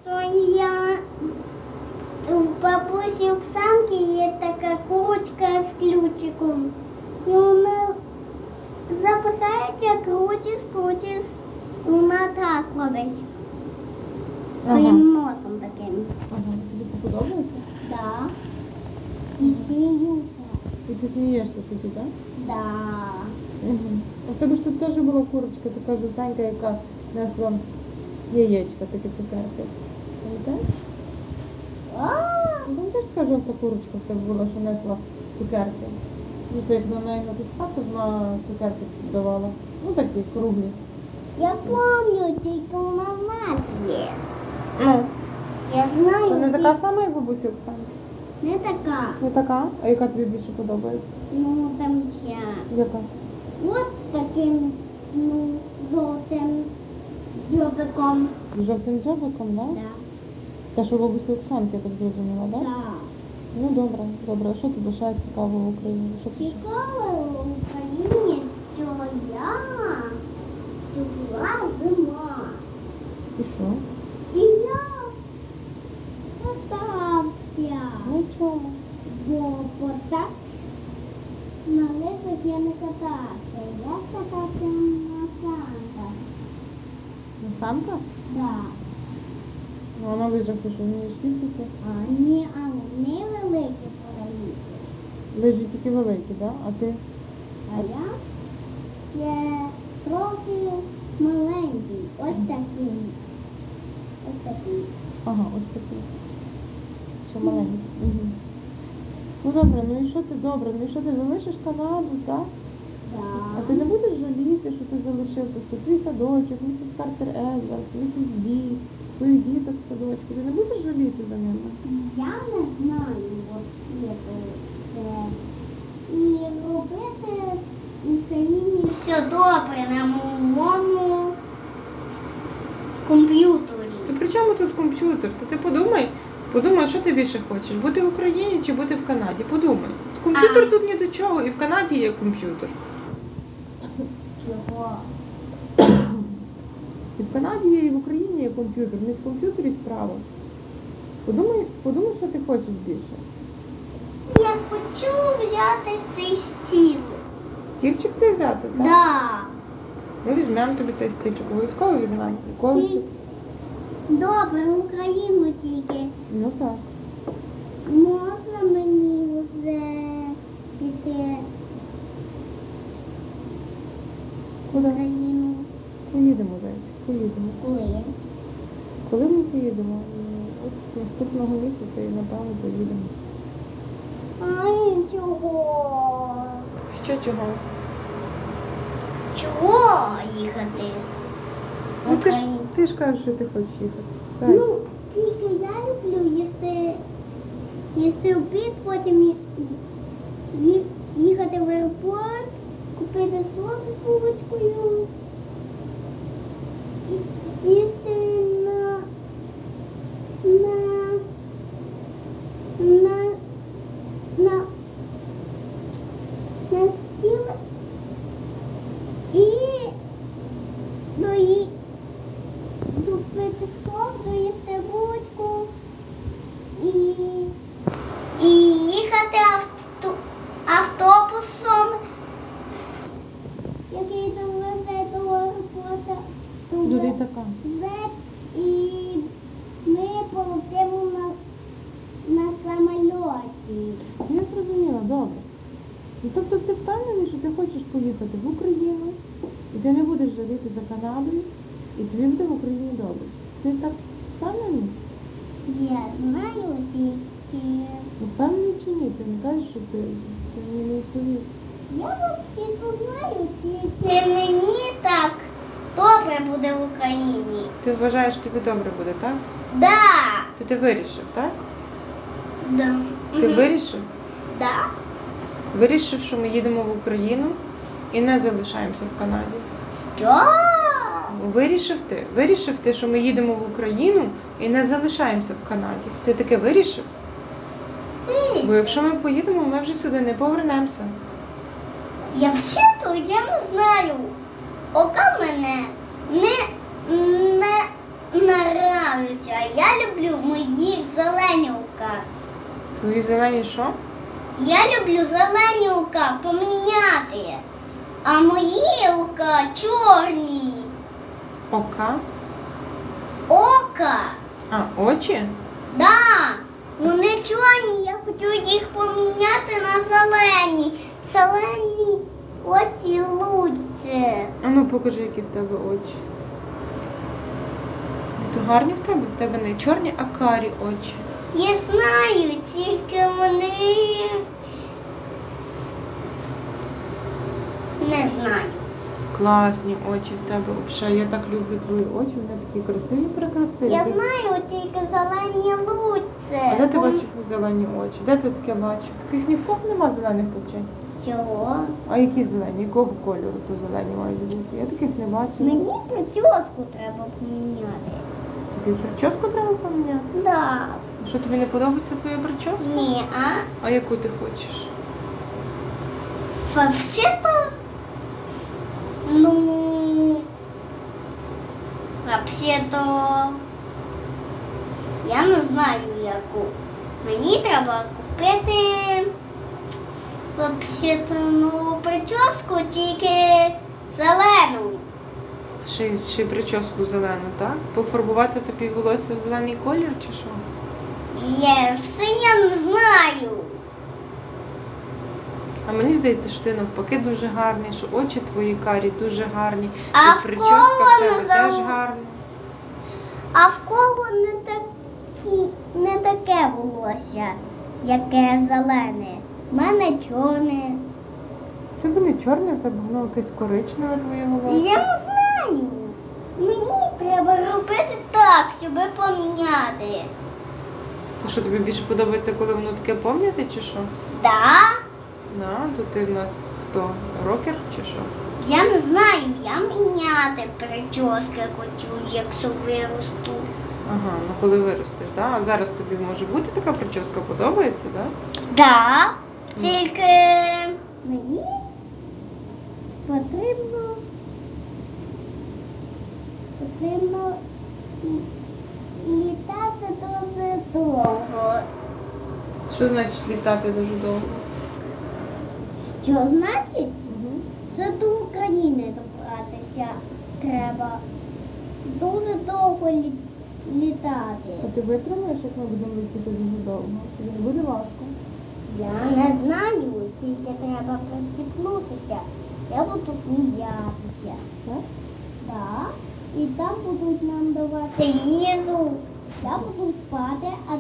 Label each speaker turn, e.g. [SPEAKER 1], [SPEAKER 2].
[SPEAKER 1] То я в бабусі Оксанки є така курочка з ключиком. І вона запихається, крутиш, і вона так робить. Своїм носом таким.
[SPEAKER 2] Ага, тобі це подобається?
[SPEAKER 1] Да. І сміюся.
[SPEAKER 2] І ти смієшся тоді, так?
[SPEAKER 1] Да.
[SPEAKER 2] Угу. А в тебе ж тут теж була курочка, така жовтенька, яка несла яєчка, таке цукерки. Пам'ятаєш? Ну, теж така жовта курочка в тебе була, що несла цукерки. Ну, ти як на неї натискав, то вона цукерки давала. Ну, такі круглі.
[SPEAKER 1] Я пам'ятаю, тільки у нас є.
[SPEAKER 2] Ну,
[SPEAKER 1] Я знаю.
[SPEAKER 2] це не
[SPEAKER 1] тільки-
[SPEAKER 2] така сама, як бабусі Оксани?
[SPEAKER 1] Не така.
[SPEAKER 2] Не така? А яка тобі більше подобається?
[SPEAKER 1] Ну, там ця.
[SPEAKER 2] Яка?
[SPEAKER 1] От таким, ну, жовтим дзьобиком.
[SPEAKER 2] З жовтим дзьобиком, так?
[SPEAKER 1] Да.
[SPEAKER 2] Та що бабусі Оксанки, я так зрозуміла, так?
[SPEAKER 1] Да.
[SPEAKER 2] Ну, добре, добре. А що тобі ще цікавого в Україні? Що ти ще?
[SPEAKER 1] Цікаво в Україні, що я була зима.
[SPEAKER 2] І що?
[SPEAKER 1] І я катався.
[SPEAKER 2] Ну, чому?
[SPEAKER 1] Бо так на лижах я не катався. Я катався на санках.
[SPEAKER 2] На санках?
[SPEAKER 1] Да.
[SPEAKER 2] Ну, а на лижах ти що, вмієш їздити?
[SPEAKER 1] А ні, а не великі параліти.
[SPEAKER 2] Лижі тільки великі, так? А ти?
[SPEAKER 1] А я ще трохи маленький. Ось такий. Ось такий.
[SPEAKER 2] Ага, ось такий. Що маленький. Угу. Ну, добре, ну і що ти добре? Ну і що ти залишиш Канаду, так? А ти не будеш жаліти, що ти залишив тут твій садочок, місіс Картер Едвард, місіс Бі, твоїх діток в садочку. Ти не будеш жаліти за ними?
[SPEAKER 1] Я не знаю, от це. І робити в Україні все добре на моєму комп'ютері.
[SPEAKER 2] То при чому тут комп'ютер? То ти подумай, що ти більше хочеш, бути в Україні чи бути в Канаді? Подумай. Комп'ютер тут ні до чого, і в Канаді є комп'ютер.
[SPEAKER 1] Чого?
[SPEAKER 2] І в Канаді є, і в Україні є комп'ютер. Не в комп'ютері справа. Подумай, що ти хочеш більше.
[SPEAKER 1] Я хочу взяти цей стіл.
[SPEAKER 2] Стільчик цей взяти, так?
[SPEAKER 1] Да.
[SPEAKER 2] Ми візьмемо тобі цей стільчик, обов'язково візьмемо. Ніколи
[SPEAKER 1] І-
[SPEAKER 2] ще-
[SPEAKER 1] Добре, в Україну тільки.
[SPEAKER 2] Ну так.
[SPEAKER 1] Можна мені вже піти в
[SPEAKER 2] Куди?
[SPEAKER 1] Україну?
[SPEAKER 2] Поїдемо, зайчик, поїдемо.
[SPEAKER 1] Коли?
[SPEAKER 2] Коли ми поїдемо? От наступного місяця і напевно поїдемо.
[SPEAKER 1] Ай, чого?
[SPEAKER 2] Що чого?
[SPEAKER 1] Чого їхати? в
[SPEAKER 2] Ну
[SPEAKER 1] Україну?
[SPEAKER 2] ти ж кажеш, що ти хочеш їхати. Так.
[SPEAKER 1] Ну, тільки я люблю їсти обід, потім їхати в аеропорт, купити сок з булочкою, їсти на стіл і купити сок, доїсти булочку і їхати автобусом, який довезе до аеропорту.
[SPEAKER 2] До літака.
[SPEAKER 1] І ми полетимо на самольоті.
[SPEAKER 2] Я зрозуміла, добре. Ну, тобто ти впевнений, що ти хочеш поїхати в Україну, і ти не будеш жаліти за Канадою, і тобі буде в Україні добре. Ти так впевнений?
[SPEAKER 1] Я знаю тільки.
[SPEAKER 2] Впевнений чи ні? Ти не кажеш, що ти мені не відповів.
[SPEAKER 1] Я взагалі знаю тільки. Мені так добре буде в Україні.
[SPEAKER 2] Ти вважаєш, тобі добре буде, так?
[SPEAKER 1] Да.
[SPEAKER 2] То ти вирішив, так?
[SPEAKER 1] Да.
[SPEAKER 2] Ти вирішив?
[SPEAKER 1] Да.
[SPEAKER 2] Вирішив, що ми їдемо в Україну і не залишаємося в Канаді.
[SPEAKER 1] Що?
[SPEAKER 2] Вирішив ти, що ми їдемо в Україну і не залишаємося в Канаді. Ти таке вирішив? Бо якщо ми поїдемо, ми вже сюди не повернемося.
[SPEAKER 1] Я взагалі я не знаю. Ока мене не нравиться. Я люблю мої зелені ока.
[SPEAKER 2] Твої зелені що?
[SPEAKER 1] Я люблю зелені ока поміняти, а мої ока чорні.
[SPEAKER 2] Ока?
[SPEAKER 1] Ока.
[SPEAKER 2] А, очі?
[SPEAKER 1] Да, вони чорні, я хочу їх поміняти на зелені. Зелені очі лучше.
[SPEAKER 2] А ну покажи, які в тебе очі. То гарні в тебе? В тебе не чорні, а карі очі.
[SPEAKER 1] Я знаю, тільки вони не знаю.
[SPEAKER 2] Класні очі в тебе. Взагалі, я так люблю твої очі, вони такі красиві, прекрасиві.
[SPEAKER 1] Я знаю, тільки зелені лучше.
[SPEAKER 2] А де ти бачиш зелені очі? Де ти таке бачиш? Таких ні в кого нема зелених очей.
[SPEAKER 1] Чого?
[SPEAKER 2] А які зелені? Якого кольору то зелені мають бути? Я таких не бачу.
[SPEAKER 1] Мені прическу треба поміняти.
[SPEAKER 2] Тобі прическу треба поміняти?
[SPEAKER 1] Да.
[SPEAKER 2] Що, тобі не подобається твоя прическа?
[SPEAKER 1] Ні,
[SPEAKER 2] А яку ти хочеш?
[SPEAKER 1] вообще-то, ну, вообще-то, я не знаю яку. Мені треба купити, вообще-то, ну, прическу тільки зелену.
[SPEAKER 2] Ще прическу зелену, так? Пофарбувати тобі волосся в зелений колір чи що?
[SPEAKER 1] Я все я не знаю.
[SPEAKER 2] А мені здається, що ти навпаки дуже гарний, що очі твої карі дуже гарні.
[SPEAKER 1] А
[SPEAKER 2] і
[SPEAKER 1] в
[SPEAKER 2] прическа
[SPEAKER 1] кого
[SPEAKER 2] в тебе
[SPEAKER 1] не
[SPEAKER 2] теж
[SPEAKER 1] зал-
[SPEAKER 2] гарна.
[SPEAKER 1] А в кого не таке волосся, яке зелене? В мене чорне.
[SPEAKER 2] В тебе не чорне, в тебе воно якесь коричневе твоє волосся.
[SPEAKER 1] Я не знаю. Мені треба робити так, щоб поміняти.
[SPEAKER 2] То що, тобі більше подобається, коли воно таке помняте, чи що?
[SPEAKER 1] Да?
[SPEAKER 2] То ти в нас хто, рокер чи що?
[SPEAKER 1] Я не знаю, я міняти прически хочу, якщо виросту.
[SPEAKER 2] Ага, ну коли виростеш, да? А зараз тобі може бути така прическа, подобається, да?
[SPEAKER 1] Да. Тільки мені потрібно літати дуже довго.
[SPEAKER 2] Що значить літати дуже довго?
[SPEAKER 1] Що значить? Це до України добратися треба. Дуже довго літати.
[SPEAKER 2] А ти витримаєш, як ми будемо летіти дуже довго? Чи не буде важко?
[SPEAKER 1] Я не знаю, тільки треба приціпнутися. Я буду сміятися.
[SPEAKER 2] Так?
[SPEAKER 1] Так. І там будуть нам давати їжу. Я буду спати, а